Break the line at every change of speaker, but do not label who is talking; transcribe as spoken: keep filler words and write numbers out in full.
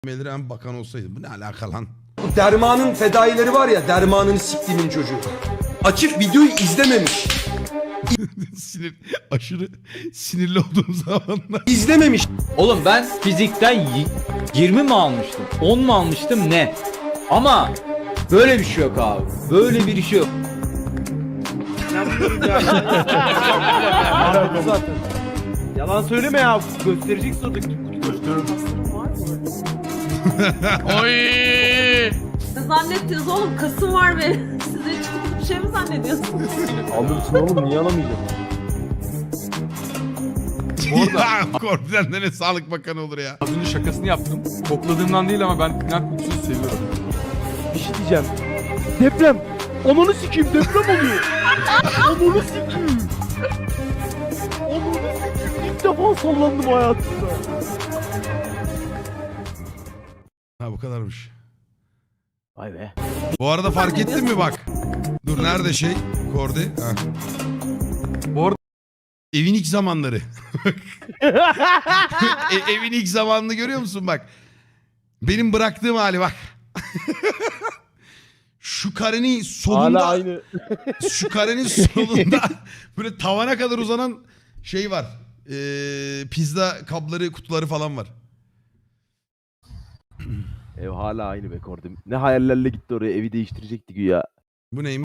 Meliren bakan olsaydı. Bu ne alaka lan?
Bu Derman'ın fedaileri var ya, Derman'ın siktiğimin çocuğu. Açıp videoyu izlememiş.
Sinir, aşırı sinirli olduğum zamanlar.
İzlememiş.
Oğlum ben fizikten y- yirmi mi almıştım? on mu almıştım ne? Ama böyle bir şey yok abi. Böyle bir şey yok.
Zaten. Yalan söyleme ya. Göstereceksin o dakika.
Oy!
Ne zannettiniz oğlum? Kasım var benim. Siz hiç bir şey mi zannediyorsunuz?
Alırsın oğlum, niye alamayacağım?
Ya Korbi'den de ne Sağlık Bakanı olur ya.
Az önce şakasını yaptım. Kokladığımdan değil ama ben pinak kokusunu seviyorum.
Bir şey diyeceğim. Deprem. Ananı sikeyim, deprem oluyor. Ananı sikeyim. Ananı sikeyim. İlk defa sallandım hayatımda.
Ha bu kadarmış.
Vay be.
Bu arada fark ettin mi bak. Dur nerede şey? Kordi. Ha.
Bu arada-
Evin ilk zamanları. e, evin ilk zamanını görüyor musun bak. Benim bıraktığım hali bak. Şu karenin solunda.
Hala aynı.
Şu karenin solunda böyle tavana kadar uzanan şey var. Ee, pizza kapları, kutuları falan var.
Ev hala aynı be Kordim. Ne hayallerle gitti oraya, evi değiştirecekti güya.
Bu neymiş?